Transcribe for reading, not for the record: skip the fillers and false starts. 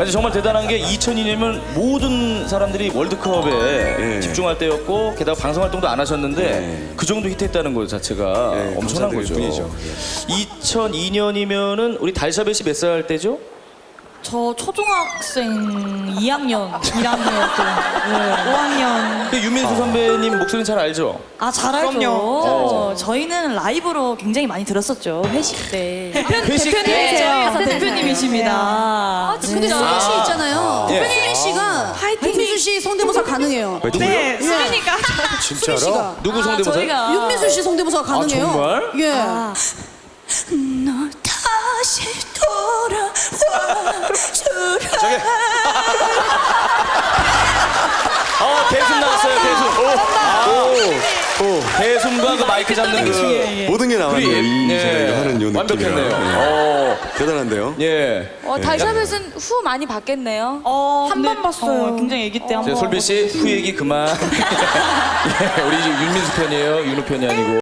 아니 정말 대단한 게 2002년이면 모든 사람들이 월드컵에 집중할 때였고 게다가 방송 활동도 안 하셨는데 그 정도 히트했다는 것 자체가 엄청난 거죠. 뿐이죠. 2002년이면은 우리 달샤벳 씨 몇 살 때죠? 저 초등학생 2학년, 1학년 때 5학년. 그 유민수 선배님 목소리는 잘 알죠? 아, 잘 알죠. 그럼요. 저희는 라이브로 굉장히 많이 들었었죠. 회식 때. 회식 때? 대표님이세요. 대표님이십니다. 근데 수민 씨 있잖아요. 예. 수민 씨가 윤민수 씨 성대모사 가능해요. 네, 수민이가. 수민 씨가. 누구 성대모사? 저희가 윤민수 씨 성대모사가 가능해요. 정말? 예. 널 다시 돌아와 주라. 저기. 대숨 나왔어요, 대숨. 대숨과 그 마이크 잡는 그. 모든 게 나왔네요. 이 네. 저희가 하는 요 느낌이랑. 완벽했네요. 대단한데요. 예. 달샤벳은 후 많이 받겠네요. 한 번 번 봤어요. 굉장히 애기 때 한 번. 솔비 씨, 후 얘기 그만. 예, 우리 이제 윤민수 편이에요, 윤호 편이 아니고.